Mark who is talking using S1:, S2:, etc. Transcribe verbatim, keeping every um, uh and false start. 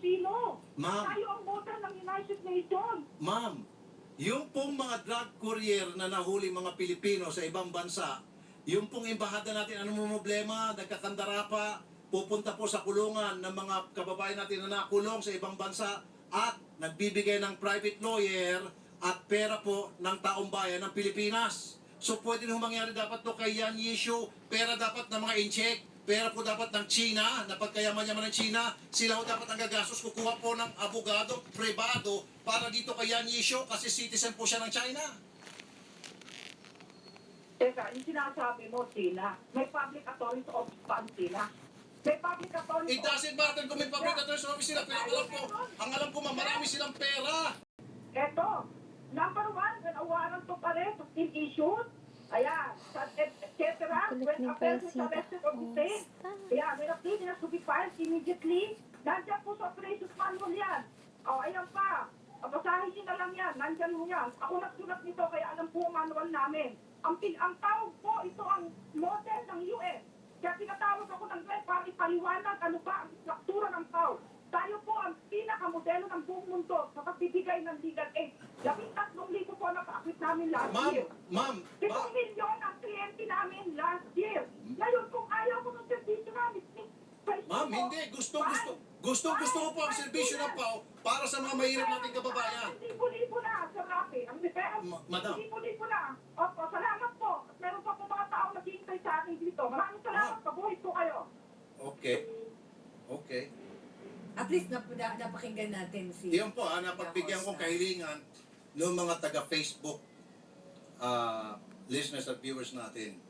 S1: Pilipino.
S2: Ma'am.
S1: Tayo ang voter ng United Nations.
S2: Ma'am, yung pong mga drug courier na nahuli mga Pilipino sa ibang bansa, yung pong embahada natin, ano mo problema, nagkakandara pa, pupunta po sa kulungan ng mga kababayan natin na nakulong sa ibang bansa at nagbibigay ng private lawyer at pera po ng taong bayan ng Pilipinas. So pwede nung mangyari dapat to kay Yan Yishu, pera dapat ng mga incheck, pera po dapat ng China, na pagkayaman-yaman ng China, sila po dapat ang gagastos, kukuha po ng abogado, privado, para dito kay Yan Yishu kasi citizen po siya ng China.
S1: Teka, yung sinasabi mo, Tina, may public authority office pa ang Tina. May public authority
S2: It doesn't matter kung may public authority office sila, pero alam ko, ang alam ko, ma'am, marami silang pera.
S1: Eto, number one, when a warrant of arrest is still issued, ayan, et cetera, when a person is arrested or detained, ayan, when a plea has to be filed immediately, nandiyan po sa operations manual yan. O, ayan pa, basahin niyo na lang yan, nandiyan mo yan. Ako nagsulat nito, kaya alam po ang manual namin. Ang, pin- ang tawag po, ito ang model ng U S. Kaya tinatawag ako ng U S para ipaliwanag ano ba ang struktura ng tao. Tayo po ang pinakamodelo ng buong mundo sa pagbibigay ng legal aid. Labing tatlong libo po na pa-acquit namin last
S2: Ma'am,
S1: year.
S2: ma'am,
S1: Pitong milyon ang kliyente namin last year. Ngayon, kung ayaw ko ng servisyo namin,
S2: ma'am, hindi, gusto, gusto, gusto, gusto ko po ang serbisyo ng P A O para sa mga mahirap nating kababayan.
S1: Libo-libo na, Sir Rafi. Ang repair,
S2: Ma- madam.
S1: libo-libo na. Opo, salamat po. At meron pa po mga tao naghihintay sa akin dito. Maraming salamat. Pabuhay po kayo.
S2: Okay. Okay.
S3: At least nap na, napakinggan natin si...
S2: Yun po, ah, napagbigyan kong kahilingan ng mga taga-Facebook ah, listeners at viewers natin.